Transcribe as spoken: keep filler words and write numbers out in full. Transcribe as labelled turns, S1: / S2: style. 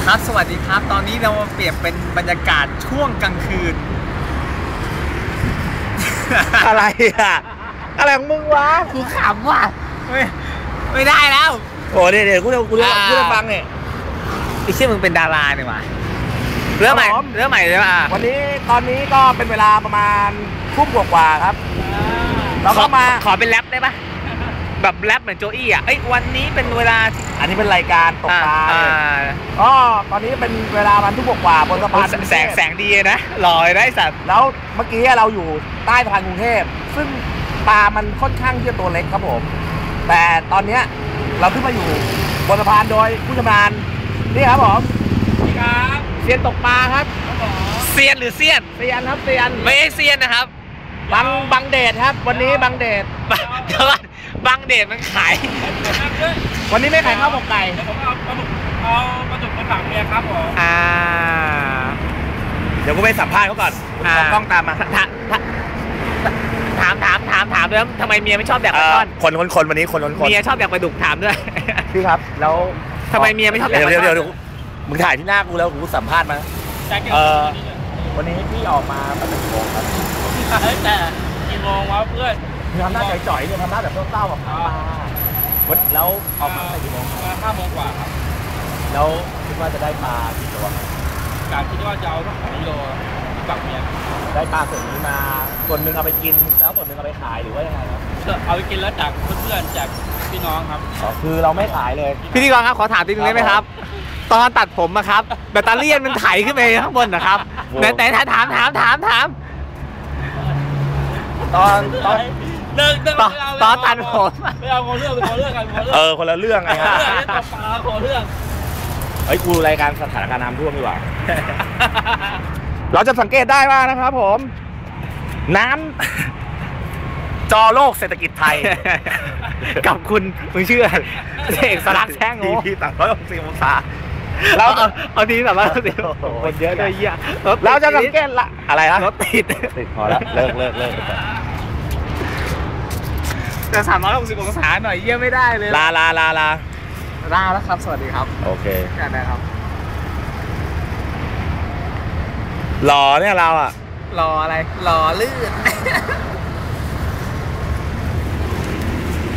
S1: ครับสวัสดีครับตอนนี้เราเปลี่ยนเป็นบรรยากาศช่วงกลางคืน
S2: อะไรอ่ะอะไรของมึงวะกูขำว่ะ
S1: ไม่ไม่ได้แล้ว
S2: โอ้เดี๋ยวเดี๋ยวกูจะกูจะกูจะฟังเนี่ย
S1: ไอ้เชี่ยมึงเป็นดาราเนี่ยว่ะเรื่องใหม่เรื่องใหม่เลยป่ะ
S2: วันนี้ตอนนี้ก็เป็นเวลาประมาณทุ่มกว่าๆครับเราก็มา
S1: ขอเป็นแรปได้ปะแบบแรปเหมือนโจอี้อ่ะเอ้ยวันนี้เป็นเวลา
S2: อันนี้เป็นรายการตกปลาอ๋อตอนนี้เป็นเวลาวันทุ่มกว่าบนสะพาน
S1: แสงแสงดีนะลอยได้สัตว์
S2: แล้วเมื่อกี้เราอยู่ใต้สะพานกรุงเทพซึ่งปลามันค่อนข้างที่จะตัวเล็กครับผมแต่ตอนนี้เราขึ้นมาอยู่บนสะพานโดยผู้ชำนาญนี่ครับผม
S1: นี่ครับ
S2: เซียนตกปลาครับ
S1: เซียนหรือเซียน
S2: เซียนครับเซียน
S1: ไม่ใช่เซียนนะครับ
S2: บังบังเดชครับวันนี้บังเดช
S1: เดี๋ยวก่อนบังเดชมันขาย
S2: วันนี้ไม่ขายข้าวหมกไก่
S3: ผมเอาปลาดุกเอาปลาดุกมาฝากเมียครับผม
S1: อ่า
S2: เดี๋ยวกูไปสัมภาษณ์เขาก่อนขอกล้องตามมา
S1: ถามถามถามถามด้วยทำไมเมียไม่ชอบแดกปลาช่อน
S2: คนคนคนวันนี้คนคน
S1: เมียชอบแดกปลาดุกถามด้วย
S2: พี่ครับแล้ว
S1: ทำไมเมียไม่ชอบแดกปลาช่อน
S2: เดี๋ยวเดี๋ยวมึงถ่ายที่หน้ากูแล้วกูสัมภาษณ์มาเออวันนี้พี่ออกมาแบบกี่โมงครับ
S3: แต่กี่โมงวะเพื่อน
S2: ทำหน้าจ่อยๆเนี่ยทำหน้าแบบเศร้าๆแบบปลาวันแล้วออกมากี่โมง
S3: มาห้าโมงกว่าครับ
S2: แล้วคิดว่าจะได้ปลากี่ตัว
S3: กะคิดว่าจะเอาสักสองกิโลฝากเมีย
S2: ได้ปลาส่วนนี้มาส่วนหนึ่งเอาไปกินแล้วส่วนหนึ่งเอาไปขายหรือว่ายังไงครับ
S3: เอาไปกินแล้วจากเพื่อนๆจากพี่น้องครับ
S2: อ๋อคือเราไม่ขายเลย
S1: พิธีกรครับขอถามนิดนึงได้ไหมครับตอนตัดผมอะครับแบตเตอรี่มันไถขึ้นไปข้างบนนะครับแต่แต่ถามถามถามถาม
S2: ตอนตอน
S3: เลิกเลิก
S1: ตอนตัดผม
S3: ไม่เอาคนเรื่องคนเรื่องกันคนเรื่อง
S2: เออคนละเรื่องไง
S3: ครับตบปลาคนเรื่อง
S2: เฮ้ยกูรายการสถานการณ์น้ำท่วมดีกว่าเราจะสังเกตได้ว่านะครับผมน้ำจอโลกเศรษฐกิจไทย
S1: กับคุณมึงเชื่อเอกสลักแช่งโง่
S2: ที่ต่างร้อยหกสิบองศา
S1: เราเอาทีแบบว่าสิคนเยอะด้วยเยอะ
S2: เราจะสังเกตละอะไรนะ
S1: รถติด
S2: ติดพอแล้วเลิกเลิกเลิก
S1: แต่สามร้อยหกสิบองศาหน่อยเยี่ยไม่ได้เลย
S2: ลาลาลาลา
S1: ลาแล้วครับสวัสดีครับ
S2: โอเค
S1: กันนะครับ
S2: หล่อเนี่ยเราอะ
S1: หล่ออะไรหล่อลื่น